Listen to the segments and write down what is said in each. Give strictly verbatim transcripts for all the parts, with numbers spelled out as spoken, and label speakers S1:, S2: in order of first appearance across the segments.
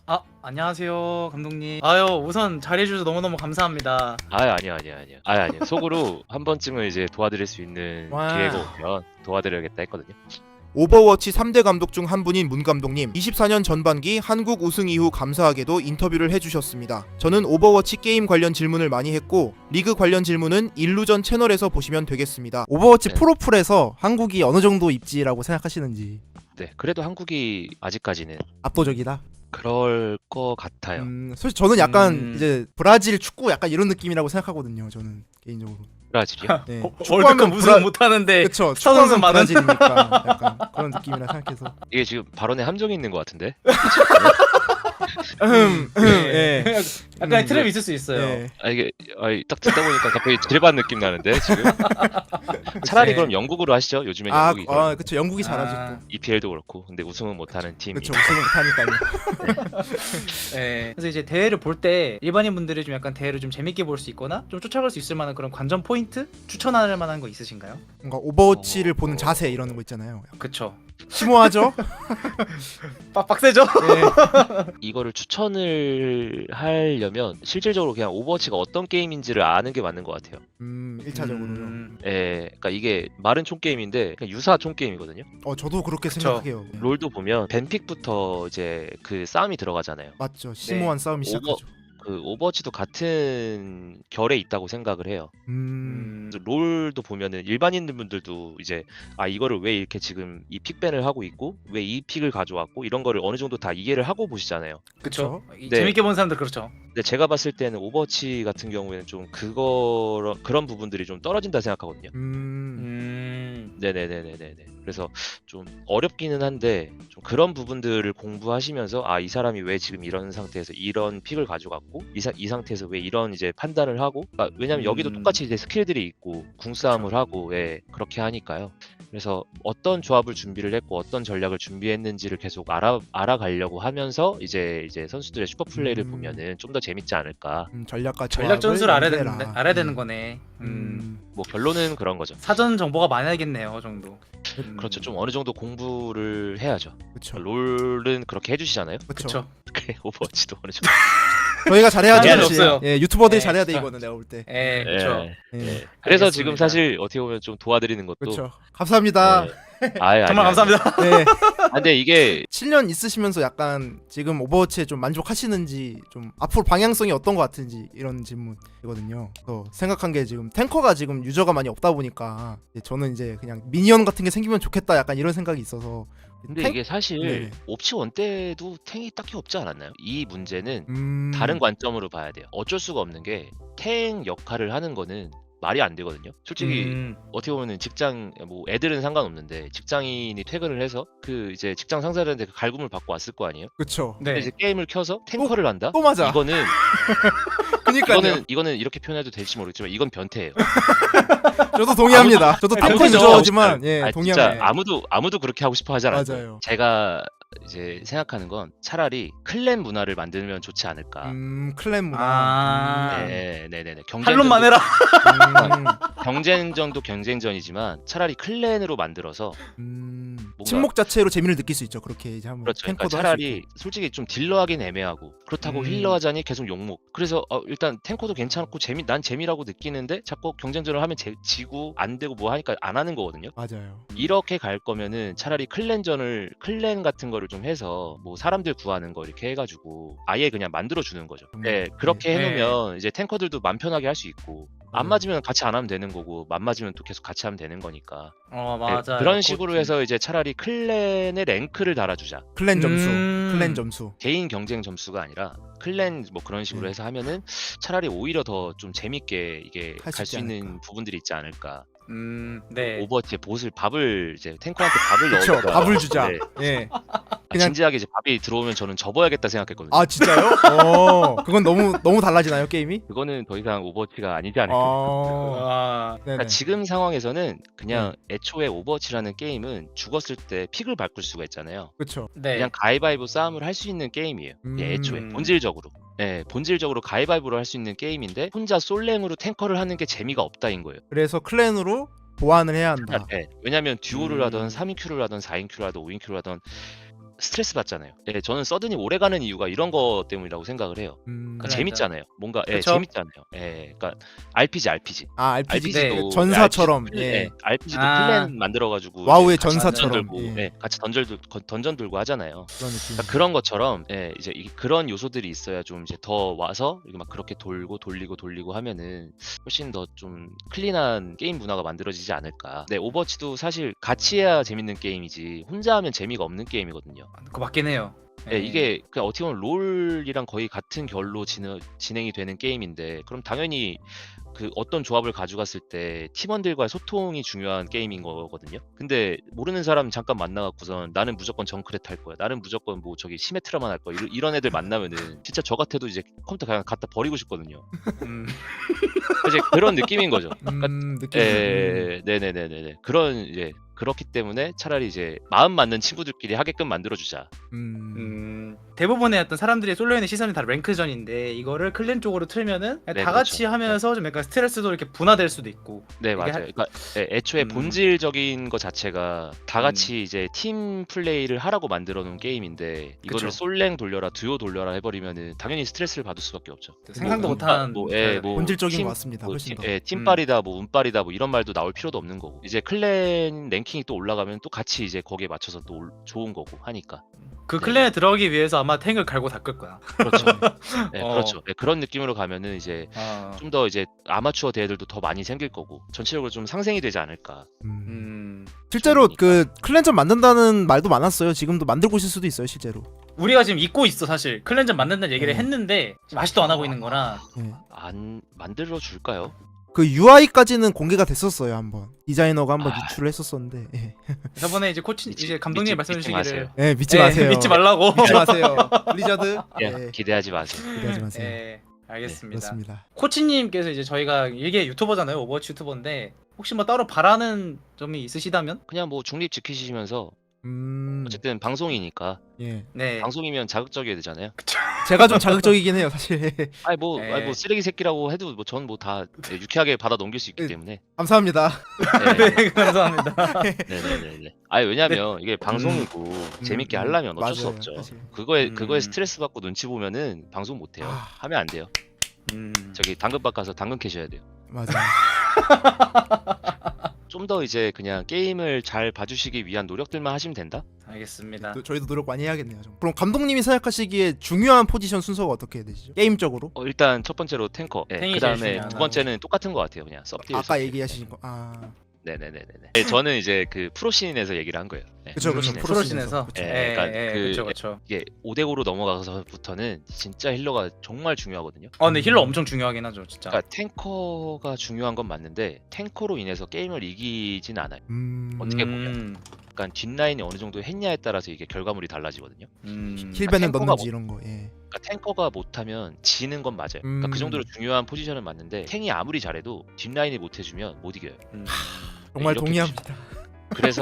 S1: 아, 안녕하세요, 감독님. 아유, 우선 잘해주셔서 너무너무 감사합니다.
S2: 아 아니야 아니야 아니야 아 아니야 속으로 한 번쯤은 이제 도와드릴 수 있는
S3: 와.
S2: 기회가 오면 도와드려야겠다 했거든요.
S3: 오버워치 삼 대 감독 중 한 분인 문 감독님, 이십사 년 전반기 한국 우승 이후 감사하게도 인터뷰를 해주셨습니다. 저는 오버워치 게임 관련 질문을 많이 했고 리그 관련 질문은 일루전 채널에서 보시면 되겠습니다. 오버워치
S2: 네.
S3: 프로풀에서 한국이 어느 정도 입지라고 생각하시는지.
S2: 네 그래도 한국이 아직까지는
S3: 압도적이다.
S2: 그럴 것 같아요.
S3: 음, 솔직히 저는 약간
S1: 음.
S3: 이제 브라질 축구 약간 이런 느낌이라고 생각하거든요. 저는 개인적으로.
S2: 브라질이요?
S3: 네.
S1: 어,
S3: 축구하면
S1: 월드컵 우승
S3: 브라-
S1: 못하는데
S3: 그쵸.
S1: 스타 선수
S3: 축구하면
S1: 많은
S3: 브라질이니까 약간 그런 느낌이라 생각해서.
S2: 이게 지금 발언에 함정이 있는 것 같은데.
S3: 음, 음,
S1: 네.
S3: 예.
S1: 약간의
S3: 음,
S1: 트랩이
S3: 네.
S1: 있을 수 있어요.
S3: 예.
S2: 아 이게 아, 딱 듣다 보니까 갑자기 지뢰밭 느낌 나는데 지금. 차라리
S1: 네.
S2: 그럼 영국으로 하시죠. 요즘엔
S3: 아,
S2: 영국이
S3: 아, 그쵸. 영국이 잘하죠
S1: 아,
S3: 또.
S2: 이피엘도 그렇고 근데 우승은 못하는 팀이.
S3: 그쵸. 우승을 못하니까요.
S1: 네. 그래서 이제 대회를 볼 때 일반인 분들이 좀 약간 대회를 좀 재밌게 볼 수 있거나 좀 쫓아갈 수 있을 만한 그런 관전 포인트 추천할 만한 거 있으신가요?
S3: 뭔가 오버워치를
S2: 어,
S3: 보는
S2: 어.
S3: 자세 이런 거 있잖아요.
S1: 그쵸.
S3: 심오하죠?
S1: 빡 빡세죠?
S3: 네.
S2: 이거를 추천을 하려면 실질적으로 그냥 오버워치가 어떤 게임인지를 아는 게 맞는 것 같아요.
S3: 음, 일차적으로요.
S1: 음,
S2: 예, 그러니까 이게 말은 총 게임인데 그냥 유사 총 게임이거든요.
S3: 어, 저도 그렇게
S1: 그쵸.
S3: 생각해요. 네.
S2: 롤도 보면 벤픽부터 이제 그 싸움이 들어가잖아요.
S3: 맞죠. 심오한 싸움이
S2: 네. 오버-
S3: 시작하죠.
S2: 그 오버워치도 같은 결에 있다고 생각을 해요.
S3: 음.
S1: 음,
S2: 그래서 롤도 보면은 일반인분들도 이제 아 이거를 왜 이렇게 지금 이 픽밴을 하고 있고 왜 이 픽을 가져왔고 이런 거를 어느 정도 다 이해를 하고 보시잖아요.
S1: 그쵸. 이
S2: 네.
S1: 재밌게 보는 사람들 그렇죠.
S2: 근데 제가 봤을 때는 오버워치 같은 경우에는 좀 그거 그런 부분들이 좀 떨어진다 생각하거든요.
S3: 음.
S1: 음,
S2: 네네네네네. 그래서 좀 어렵기는 한데 좀 그런 부분들을 공부하시면서 아 이 사람이 왜 지금 이런 상태에서 이런 픽을 가져갔고 이, 사, 이 상태에서 왜 이런 이제 판단을 하고 아, 왜냐면 여기도
S1: 음.
S2: 똑같이 이제 스킬들이 있고 궁싸움을 하고 예, 그렇게 하니까요. 그래서 어떤 조합을 준비를 했고 어떤 전략을 준비했는지를 계속 알아 알아가려고 하면서 이제 이제 선수들의 슈퍼 플레이를
S3: 음.
S2: 보면은 좀 더 재밌지 않을까.
S3: 음, 전략과
S1: 전략
S3: 조합을
S1: 전술을 알아야
S3: 연계해라.
S1: 되는 알아야 되는
S3: 음.
S1: 거네. 음,
S3: 음.
S2: 뭐 결론은 그런 거죠.
S1: 사전 정보가 많아야겠네요, 그 정도. 음,
S2: 그렇죠. 좀 어느 정도 공부를 해야죠.
S3: 그쵸.
S2: 롤은 그렇게 해주시잖아요.
S3: 그쵸.
S1: 그쵸.
S2: 그래 오버워치도 어느 정도.
S3: 저희가 잘해야죠.
S1: 미안해,
S3: 사실.
S1: 없어요.
S3: 예, 유튜버들이
S1: 네,
S3: 잘해야 돼
S1: 진짜.
S3: 이거는 내가 볼 때.
S1: 예, 그쵸.
S2: 예,
S3: 예.
S2: 예. 그래서
S1: 알겠습니다.
S2: 지금 사실 어떻게 보면 좀 도와드리는 것도
S3: 그렇죠. 감사합니다.
S2: 네. 아예
S1: 정말
S2: 아니에요,
S1: 감사합니다.
S3: 네.
S2: 아니에요. 아, 근데 이게
S3: 칠 년 있으시면서 약간 지금 오버워치에 좀 만족하시는지 좀 앞으로 방향성이 어떤 것 같은지 이런 질문이거든요. 그래서 생각한 게 지금 탱커가 지금 유저가 많이 없다 보니까 이제 저는 이제 그냥 미니언 같은 게 생기면 좋겠다 약간 이런 생각이 있어서
S2: 근데
S3: 탱-
S2: 이게 사실
S3: 네네.
S2: 옵치 원 때도 탱이 딱히 없지 않았나요? 이 문제는
S3: 음...
S2: 다른 관점으로 봐야 돼요. 어쩔 수가 없는 게 탱 역할을 하는 거는 말이 안 되거든요. 솔직히
S1: 음,
S2: 어떻게 보면은 직장 뭐 애들은 상관없는데 직장인이 퇴근을 해서 그 이제 직장 상사들한테 그 갈굼을 받고 왔을 거 아니에요?
S3: 그쵸.
S1: 네.
S2: 근데 이제 게임을 켜서 탱커를 한다?
S3: 또 맞아.
S2: 이거는
S3: 그니까요.
S2: 이거는 이거는 이렇게 표현해도 될지 모르겠지만 이건 변태예요.
S3: 저도 동의합니다. 저도 탱커
S1: 아무도
S3: 유저지만 예
S2: 아,
S3: 동의합니다.
S2: 진짜 아무도 아무도 그렇게 하고 싶어 하지 않아요.
S3: 맞아요.
S2: 제가 이제 생각하는 건 차라리 클랜 문화를 만들면 좋지 않을까.
S3: 음 클랜 문화.
S1: 아,
S2: 네, 네, 네, 네.
S1: 탈론만 해라.
S3: 음,
S2: 경쟁전도 경쟁전이지만 차라리 클랜으로 만들어서
S3: 음,
S2: 뭔가-
S3: 침묵 자체로 재미를 느낄 수 있죠. 그렇게 이제 한번
S2: 그렇죠. 그러니까
S3: 탱커도 할수
S2: 차라리
S3: 있고.
S2: 솔직히 좀 딜러하긴 애매하고 그렇다고
S1: 음.
S2: 힐러하자니 계속 욕먹. 그래서 어, 일단 탱커도 괜찮고 재미 난 재미라고 느끼는데 자꾸 경쟁전을 하면 제, 지고 안 되고 뭐 하니까 안 하는 거거든요.
S3: 맞아요.
S2: 이렇게 갈 거면은 차라리 클랜전을 클랜 같은 거를 좀 해서 뭐 사람들 구하는 거 이렇게 해가지고 아예 그냥 만들어 주는 거죠.
S3: 음,
S2: 네, 그렇게
S1: 네.
S2: 해놓으면 이제 탱커들도 맘 편하게 할 수 있고 안
S3: 음.
S2: 맞으면 같이 안 하면 되는 거고 맘 맞으면 또 계속 같이 하면 되는 거니까.
S1: 어,
S2: 네,
S1: 맞아.
S2: 그런 식으로 해서 이제 차라리 클랜의 랭크를 달아주자.
S3: 클랜 점수,
S1: 음.
S3: 클랜 점수.
S2: 개인 경쟁 점수가 아니라 클랜 뭐 그런 식으로
S3: 네.
S2: 해서 하면은 차라리 오히려 더 좀 재밌게 이게
S3: 할수
S2: 갈 수
S3: 있지
S2: 있는
S3: 않을까.
S2: 부분들이 있지 않을까.
S1: 음, 네.
S2: 오버워치에 보슬 밥을 이제 탱커한테 밥을
S3: 그쵸.
S2: 넣어서
S3: 밥을 주자.
S2: 네.
S3: 예.
S2: 아,
S3: 그냥-
S2: 진지하게 이제 밥이 들어오면 저는 접어야겠다 생각했거든요.
S3: 아 진짜요? 어. 그건 너무 너무 달라지나요 게임이?
S2: 그거는 더 이상 오버워치가 아니지 않을까.
S3: 어.
S1: 아,
S3: 네네.
S2: 그러니까 지금 상황에서는 그냥 애초에 오버워치라는 게임은 죽었을 때 픽을 바꿀 수가 있잖아요.
S3: 그렇죠.
S1: 네.
S2: 그냥 가위바위보 싸움을 할 수 있는 게임이에요.
S3: 음.
S2: 예, 애초에 본질적으로. 네, 본질적으로 가위바위보로 할 수 있는 게임인데 혼자 솔랭으로 탱커를 하는 게 재미가 없다인 거예요.
S3: 그래서 클랜으로 보완을 해야 한다.
S2: 네, 왜냐면 듀오를
S1: 음.
S2: 하던 삼 인 큐를 하던 사 인 큐를 하던 오 인 큐를 하던 스트레스 받잖아요. 예, 저는 서든이 오래가는 이유가 이런 거 때문이라고 생각을 해요.
S3: 음...
S2: 그러니까
S1: 그래.
S2: 재밌잖아요. 뭔가 예,
S1: 그쵸?
S2: 재밌잖아요. 예, 그러니까 알피지, 알피지.
S3: 아 알피지
S1: 네.
S2: 알피지도
S3: 전사처럼
S2: 알피지도,
S3: 예.
S2: 예, 알피지도
S1: 아.
S2: 클랜 만들어가지고
S3: 와우의
S2: 이제 같이
S3: 전사처럼,
S2: 던전 들고,
S3: 예.
S2: 예, 같이 던전 들 던전 들고 하잖아요.
S3: 그런 느낌.
S2: 그러니까 그런 것처럼 예, 이제 이, 그런 요소들이 있어야 좀 이제 더 와서 이렇게 막 그렇게 돌고 돌리고 돌리고 하면은 훨씬 더 좀 클린한 게임 문화가 만들어지지 않을까. 네, 오버워치도 사실 같이 해야 재밌는 게임이지 혼자 하면 재미가 없는 게임이거든요.
S1: 그거 맞긴 해요.
S2: 예, 이게 그 어떻게 보면 롤이랑 거의 같은 결로 진행, 진행이 되는 게임인데 그럼 당연히 그 어떤 조합을 가져갔을 때 팀원들과의 소통이 중요한 게임인 거거든요. 근데 모르는 사람 잠깐 만나갖고선 나는 무조건 정크렛 할 거야. 나는 무조건 뭐 저기 시메트라만 할 거야. 이런, 이런 애들 만나면은 진짜 저 같아도 이제 컴퓨터 그냥 갖다 버리고 싶거든요.
S1: 음.
S2: 이제 그런 느낌인 거죠.
S3: 음, 느낌.
S2: 예, 네네네네. 그런 이제 그렇기 때문에 차라리 이제 마음 맞는 친구들끼리 하게끔 만들어주자.
S3: 음.
S1: 음, 대부분의 어떤 사람들이 쏠려 있는 시선이 다 랭크전인데 이거를 클랜 쪽으로 틀면은 그냥
S2: 네,
S1: 다 같이
S2: 그렇죠.
S1: 하면서 좀 약간 스트레스도 이렇게 분화될 수도 있고.
S2: 네
S1: 이게
S2: 맞아요.
S1: 하-
S2: 그러니까 예, 애초에
S1: 음.
S2: 본질적인 것 자체가 다
S1: 음.
S2: 같이 이제 팀 플레이를 하라고 만들어 놓은 게임인데 이거를
S1: 그쵸.
S2: 솔랭 돌려라 듀오 돌려라 해버리면은 당연히 스트레스를 받을 수밖에 없죠.
S1: 생각도
S2: 뭐
S1: 못한
S2: 뭐, 예, 뭐
S3: 본질적인
S2: 팀-
S3: 것 같습니다.
S2: 뭐
S3: 훨씬
S2: 팀,
S3: 더.
S2: 예, 팀빨이다 뭐 운빨이다 뭐 이런 말도 나올 필요도 없는 거고 이제 클랜 랭킹이 또 올라가면 또 같이 이제 거기에 맞춰서 또 올- 좋은 거고 하니까
S1: 그
S2: 네.
S1: 클랜에 들어가기 위해서 아마 탱을 갈고 닦을 거야.
S2: 그렇죠. 네,
S1: 어.
S2: 그렇죠. 네, 그런 느낌으로 가면은 이제
S1: 아,
S2: 좀 더 이제 아마추어 대회들도 더 많이 생길 거고 전체적으로 좀 상생이 되지 않을까.
S3: 음.
S1: 음,
S3: 실제로
S2: 좋으니까.
S3: 그 클랜전 만든다는 말도 많았어요. 지금도 만들고 있을 수도 있어요, 실제로.
S1: 우리가 지금 잊고 있어 사실. 클랜전 만든다는 얘기를
S3: 네.
S1: 했는데 지금 아직도 안 하고 있는 거라.
S3: 예.
S2: 안 만들어 줄까요?
S3: 그 유아이까지는 공개가 됐었어요, 한번. 디자이너가 한번
S2: 아.
S3: 유출을 했었었는데. 예.
S1: 저번에 이제 코치
S2: 믿지-
S1: 이제 감독님이
S2: 믿지-
S1: 말씀해
S2: 믿지
S1: 주시기를
S2: 마세요.
S3: 예, 믿지
S1: 예,
S3: 마세요.
S1: 믿지 말라고.
S3: 믿지 마세요. 블리자드.
S2: 예,
S3: 예.
S2: 기대하지 마세요.
S3: 기대하지 마세요.
S1: 예, 알겠습니다.
S3: 그렇습니다.
S1: 코치님께서 이제 저희가 이게 유튜버잖아요, 오버워치 유튜버인데 혹시 뭐 따로 바라는 점이 있으시다면?
S2: 그냥 뭐 중립 지키시면서
S3: 음.
S2: 어쨌든 방송이니까
S3: 예.
S1: 네.
S2: 방송이면 자극적이어야 되잖아요.
S3: 제가 좀 자극적이긴 해요, 사실.
S2: 아니 뭐,
S1: 네.
S2: 아니 뭐 쓰레기 새끼라고 해도 뭐 전 뭐 다 유쾌하게 받아 넘길 수 있기
S3: 네.
S2: 때문에.
S3: 감사합니다.
S2: 네,
S1: 네, 감사합니다.
S2: 네네네네. 아니 왜냐면 이게 방송이고 재밌게
S3: 음,
S2: 하려면 어쩔 수
S3: 맞아요,
S2: 없죠.
S3: 사실.
S2: 그거에
S1: 음.
S2: 그거에 스트레스 받고 눈치 보면은 방송 못 해요.
S3: 아.
S2: 하면 안 돼요.
S1: 음.
S2: 저기 당근밭 가서 당근 캐셔야 돼요.
S3: 맞아요.
S2: 좀 더 이제 그냥 게임을 잘 봐주시기 위한 노력들만 하시면 된다.
S1: 알겠습니다.
S3: 또 저희도 노력 많이 해야겠네요. 좀. 그럼 감독님이 생각하시기에 중요한 포지션 순서가 어떻게 되시죠? 게임적으로?
S2: 어, 일단 첫 번째로 탱커. 네,
S1: 탱이
S2: 그
S1: 제일
S2: 다음에
S1: 중요하다.
S2: 두 번째는 똑같은 것 같아요. 그냥 섭딜.
S3: 아까
S2: 섭딜.
S3: 얘기하신 거. 아.
S2: 네네네네. 네, 저는 이제 그 프로씬에서 얘기를 한 거예요. 네,
S3: 그쵸, 그쵸.
S2: 프로씬에서.
S1: 프로씬에서.
S3: 그쵸.
S2: 예,
S1: 예,
S2: 그러니까
S1: 예,
S2: 그-
S1: 그쵸, 그쵸.
S2: 이게 오 대 오로 넘어가서부터는 진짜 힐러가 정말 중요하거든요.
S1: 어, 근데 힐러 엄청 중요하긴 하죠, 진짜.
S2: 그러니까 탱커가 중요한 건 맞는데 탱커로 인해서 게임을 이기진 않아요.
S3: 음.
S2: 어떻게
S1: 음,
S2: 그러니까 뒷라인이 어느 정도 했냐에 따라서 이게 결과물이 달라지거든요.
S1: 음.
S3: 힐벤을
S2: 탱커가
S3: 넣는지
S2: 뭐-
S3: 이런 거. 예.
S2: 그러니까 탱커가 못하면 지는 건 맞아요. 그러니까
S3: 음.
S2: 그 정도로 중요한 포지션은 맞는데 탱이 아무리 잘해도 뒷라인이 못해주면 못 이겨요.
S1: 음.
S3: 정말
S2: 이렇게
S3: 동의합니다.
S2: 그래서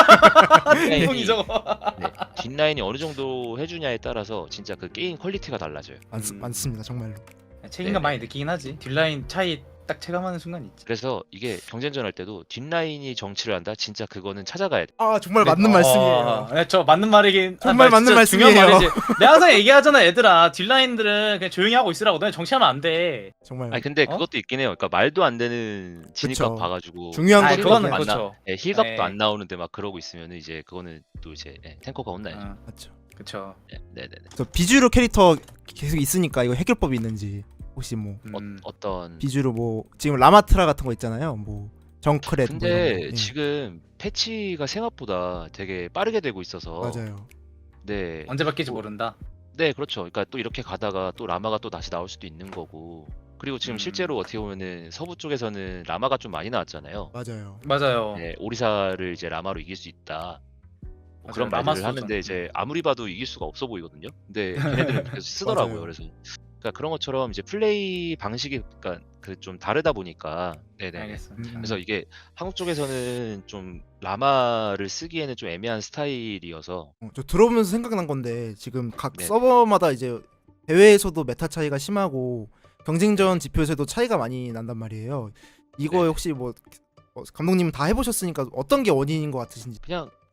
S2: 뒷라인이,
S1: 형이 저거.
S2: 네, 뒷라인이 어느 정도 해주냐에 따라서 진짜 그 게임 퀄리티가 달라져요.
S3: 많,
S1: 음.
S3: 많습니다, 정말로.
S1: 책임감
S2: 네네.
S1: 많이 느끼긴 하지. 뒷라인 차이 딱 체감하는 순간 있지.
S2: 그래서 이게 경쟁전 할 때도 뒷라인이 정치를 한다. 진짜 그거는 찾아가야 돼.
S3: 아, 정말
S1: 네.
S3: 맞는
S1: 어,
S3: 말씀이에요.
S1: 네, 저 맞는 말이긴.
S3: 정말
S1: 아,
S3: 맞는
S1: 진짜
S3: 말씀이에요.
S1: 중요한 말이지. 내가 항상 얘기하잖아, 얘들아. 뒷라인들은 그냥 조용히 하고 있으라고. 너네 정치하면 안 돼.
S3: 정말.
S2: 아니 근데
S1: 어?
S2: 그것도 있긴 해요. 그러니까 말도 안 되는 진입각
S3: 그쵸.
S2: 봐가지고
S3: 중요한
S1: 아,
S3: 것도
S1: 그거는
S3: 있어요.
S2: 안 나-
S1: 그렇죠.
S2: 예, 힐각도
S1: 네.
S2: 안 나오는데 막 그러고 있으면 이제 그거는 또 이제 예, 탱커가 혼나야죠.
S1: 어,
S3: 맞죠.
S1: 그쵸.
S2: 예, 네네네.
S3: 저 비주류 캐릭터 계속 있으니까 이거 해결법이 있는지 혹시 뭐
S1: 음.
S2: 어, 어떤
S3: 비주류 뭐 지금 라마트라 같은 거 있잖아요. 뭐 정크렛 뭐
S2: 근데
S3: 이런 거. 예.
S2: 지금 패치가 생각보다 되게 빠르게 되고 있어서
S3: 맞아요.
S2: 네.
S1: 언제 바뀔지
S2: 뭐,
S1: 모른다.
S2: 네, 그렇죠. 그러니까 또 이렇게 가다가 또 라마가 또 다시 나올 수도 있는 거고. 그리고 지금
S1: 음.
S2: 실제로 어떻게 보면은 서부 쪽에서는 라마가 좀 많이 나왔잖아요.
S3: 맞아요.
S1: 맞아요.
S2: 네, 오리사를 이제 라마로 이길 수 있다. 뭐 그런
S1: 맞아요.
S2: 말들을
S1: 라마
S2: 하는데
S1: 소전.
S2: 이제 아무리 봐도 이길 수가 없어 보이거든요. 근데 걔네들은 계속 쓰더라고요.
S3: 맞아요.
S2: 그래서 그러니까 그런 것처럼 이제 플레이 방식이 그러니까 그 좀 다르다 보니까 네네.
S1: 알겠습니다.
S3: 음.
S2: 그래서 이게 한국 쪽에서는 좀 라마를 쓰기에는 좀 애매한 스타일이어서
S3: 어, 저 들어보면서 생각난 건데 지금 각
S2: 네.
S3: 서버마다 이제 대회에서도 메타 차이가 심하고 경쟁전 지표에서도 차이가 많이 난단 말이에요. 이거
S2: 네.
S3: 혹시 뭐 어, 감독님 다 해보셨으니까 어떤 게 원인인 것 같으신지.
S2: 그냥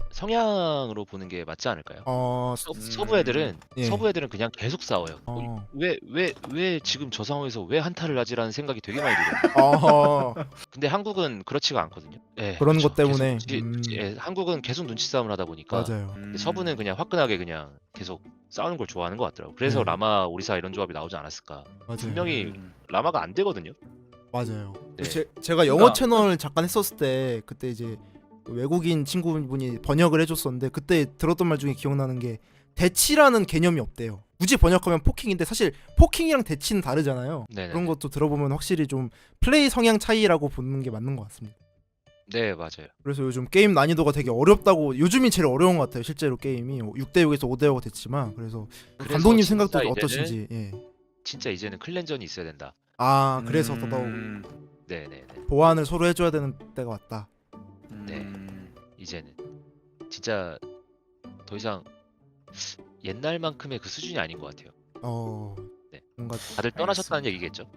S2: 성향으로 보는 게 맞지 않을까요?
S3: 어,
S2: 서,
S1: 음.
S2: 서부 애들은
S3: 예.
S2: 서부 애들은 그냥 계속 싸워요.
S3: 어.
S2: 왜 왜 왜 지금 저 상황에서 왜 한타를 하지라는 생각이 되게 많이 들어요.
S3: 어,
S2: 근데 한국은 그렇지가 않거든요. 예,
S3: 그런
S2: 그쵸.
S3: 것 때문에,
S2: 계속 눈치-
S3: 음.
S2: 눈치- 예, 한국은 계속 눈치 싸움을 하다 보니까
S3: 맞아요.
S1: 음.
S2: 근데 서부는 그냥 화끈하게 그냥 계속 싸우는 걸 좋아하는 것 같더라고. 그래서
S3: 네.
S2: 라마 오리사 이런 조합이 나오지 않았을까.
S3: 맞아요.
S2: 분명히
S1: 음.
S2: 라마가 안 되거든요.
S3: 맞아요.
S2: 네.
S3: 제, 제가 영어
S1: 그러니까-
S3: 채널 잠깐 했었을 때 그때 이제 외국인 친구분이 번역을 해줬었는데 그때 들었던 말 중에 기억나는 게 대치라는 개념이 없대요. 굳이 번역하면 포킹인데 사실 포킹이랑 대치는 다르잖아요.
S2: 네네네.
S3: 그런 것도 들어보면 확실히 좀 플레이 성향 차이라고 보는 게 맞는 것 같습니다.
S2: 네 맞아요.
S3: 그래서 요즘 게임 난이도가 되게 어렵다고 요즘이 제일 어려운 것 같아요. 실제로 게임이 육 대 육에서 오 대 오가 됐지만 그래서
S2: 그래서
S3: 감독님
S2: 진짜
S3: 생각도
S2: 이제는-
S3: 어떠신지. 예.
S2: 진짜 이제는 클랜전이 있어야 된다.
S3: 아 그래서
S1: 음.
S3: 더더욱
S2: 네네네.
S3: 보완을 서로 해줘야 되는 때가 왔다.
S2: 네.
S1: 음.
S2: 이제는 진짜 더 이상 옛날만큼의 그 수준이 아닌 것 같아요.
S3: 어
S2: 네.
S3: 뭔가
S2: 다들 떠나셨다는 얘기겠죠.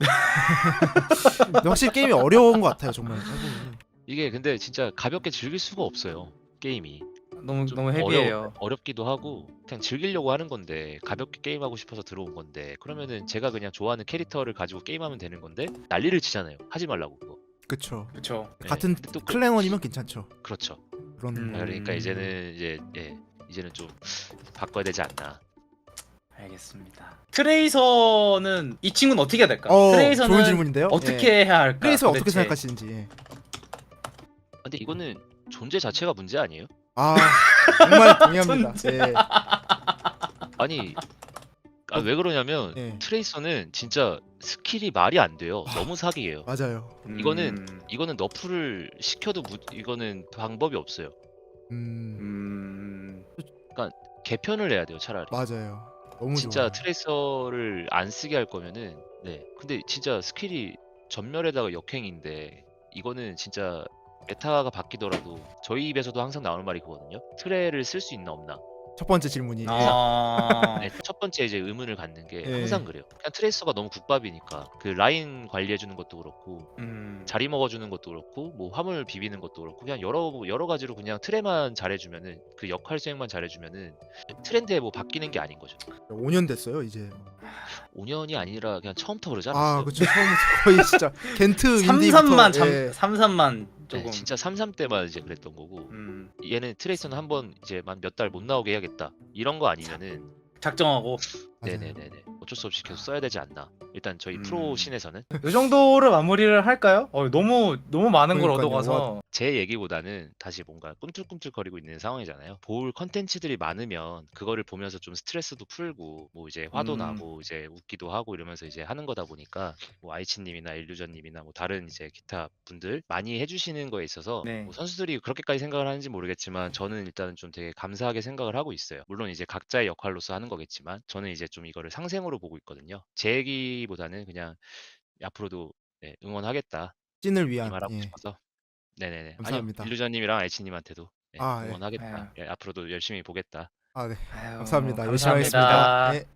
S3: 근데 확실히 게임이 어려운 것 같아요 정말. 해보면은.
S2: 이게 근데 진짜 가볍게 즐길 수가 없어요. 게임이
S1: 너무
S2: 좀
S1: 너무 헤비해요.
S2: 어려, 어렵기도 하고 그냥 즐기려고 하는 건데 가볍게 게임하고 싶어서 들어온 건데 그러면은 제가 그냥 좋아하는 캐릭터를 가지고 게임하면 되는 건데 난리를 치잖아요. 하지 말라고 그거.
S3: 그쵸.
S1: 그렇죠.
S2: 네.
S3: 같은
S2: 근데 또 그-
S3: 클랜원이면 괜찮죠.
S2: 그렇죠.
S3: 그런
S1: 음.
S2: 그러니까 이제는 이제 예 이제는 좀 바꿔야 되지 않나.
S1: 알겠습니다. 트레이서는 이 친구는 어떻게 해야 될까?
S3: 어,
S1: 트레이서는
S3: 좋은 질문인데요.
S1: 어떻게
S3: 예.
S1: 해야 할까?
S3: 트레이서 어떻게
S1: 도대체?
S3: 생각하시는지. 예.
S2: 근데 이거는 존재 자체가 문제 아니에요?
S3: 아 정말 동의합니다. 예.
S2: 아니 아, 왜 그러냐면
S3: 예.
S2: 트레이서는 진짜 스킬이 말이 안 돼요. 너무 사기예요.
S3: 맞아요.
S2: 이거는
S1: 음.
S2: 이거는 너프를 시켜도 무, 이거는 방법이 없어요.
S3: 음
S1: 음.
S2: 개편을 해야 돼요 차라리.
S3: 맞아요. 너무
S2: 진짜
S3: 좋아요.
S2: 트레이서를 안 쓰게 할 거면은 네. 근데 진짜 스킬이 전멸에다가 역행인데 이거는 진짜 메타가 바뀌더라도 저희 입에서도 항상 나오는 말이 그거든요. 트레를 쓸 수 있나 없나.
S3: 첫 번째 질문이. 예.
S1: 아.
S2: 네, 첫 번째 이제 의문을 갖는 게
S3: 예.
S2: 항상 그래요. 그냥 트레이서가 너무 국밥이니까 그 라인 관리해 주는 것도 그렇고
S1: 음.
S2: 자리 먹어주는 것도 그렇고 뭐 화물 비비는 것도 그렇고 그냥 여러 여러 가지로 그냥 트레만 잘해주면은 그 역할 수행만 잘해주면은 트렌드에 뭐 바뀌는 게 아닌 거죠.
S3: 오 년 됐어요 이제.
S2: 오 년이 아니라 그냥 처음부터 그러지 않았어요?
S3: 아 그쵸 처음부터 거의 진짜 겐트 인디부터.
S1: 삼삼만 참
S3: 예.
S1: 삼삼만
S2: 네,
S1: 조금.
S2: 진짜 삼삼 때만 이제 그랬던 거고
S1: 음.
S2: 얘는 트레이서는 한번 이제 몇 달 못 나오게 해야겠다 이런 거 아니면은
S1: 작정하고
S3: 맞아요.
S2: 네네네네 어쩔 수 없이 계속 써야 되지 않나. 일단 저희
S1: 음.
S2: 프로 신에서는
S1: 이 정도로 마무리를 할까요? 어, 너무 너무 많은 걸
S3: 그러니까요.
S1: 얻어가서
S2: 제 얘기보다는 다시 뭔가 꿈틀꿈틀거리고 있는 상황이잖아요. 볼 컨텐츠들이 많으면 그거를 보면서 좀 스트레스도 풀고 뭐 이제 화도
S1: 음.
S2: 나고 이제 웃기도 하고 이러면서 이제 하는 거다 보니까 뭐 아이치님이나 일루전님이나 뭐 다른 이제 기타 분들 많이 해주시는 거에 있어서
S1: 네.
S2: 뭐 선수들이 그렇게까지 생각을 하는지 모르겠지만 저는 일단은 좀 되게 감사하게 생각을 하고 있어요. 물론 이제 각자의 역할로서 하는 거겠지만 저는 이제 좀 이거를 상생으로 보고 있거든요. 제 얘기보다는 그냥 앞으로도 네, 응원하겠다
S3: 찐을
S2: 이
S3: 위한.
S2: 말하고
S3: 예.
S2: 싶어서 네네네.
S3: 감사합니다.
S2: 아니요 일루전님이랑 알치님한테도 네,
S3: 아, 예.
S2: 응원하겠다.
S1: 아유.
S2: 예, 앞으로도 열심히 보겠다.
S3: 아 네.
S1: 아유,
S3: 감사합니다. 열심히 하겠습니다.
S1: 감사합니다.
S3: 예.